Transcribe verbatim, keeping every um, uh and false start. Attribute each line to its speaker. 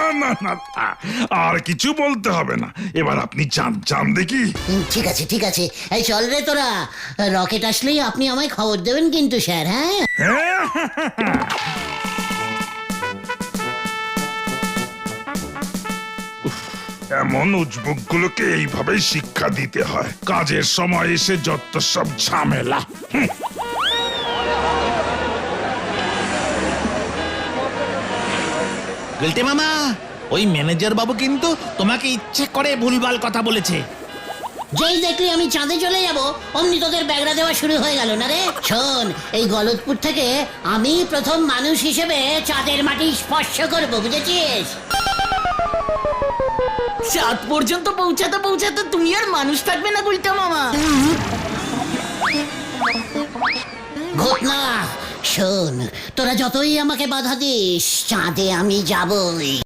Speaker 1: না না না, আর কিছু বলতে হবে না, এবার আপনি চান চান দেখি।
Speaker 2: হুম, ঠিক আছে ঠিক আছে, এই চল রে তোরা, রকেট আসলেই আপনি আমায় খবর দেবেন কিন্তু স্যার। হ্যাঁ
Speaker 1: হ্যাঁ, এমন উজবুক গুলোকে এইভাবেই শিক্ষা দিতে হয়, কাজের সময় এসে যত সব ঝামেলা। হুঁ।
Speaker 3: গেলটে মামা, ওই ম্যানেজার বাবু কিন্তু তোমাকে ইচ্ছে করে ভুলভাল কথা বলেছে।
Speaker 2: যেই দেখলি আমি চাঁদে চলে যাব অমনি তোদের ব্যাগরা দেওয়া শুরু হয়ে গেল না রে। শোন, এই গলতপুর থেকে আমি প্রথম মানুষ হিসেবে চাঁদের মাটি স্পর্শ করব, বুঝেছিস?
Speaker 4: চাঁদ পর্যন্ত পৌঁছাতে পৌঁছাতে তুমি আর মানুষ থাকবে না গুলটা মামা।
Speaker 2: ঘটনা শোন, তোরা যতই আমাকে বাধা দিস, চাঁদে আমি যাবই।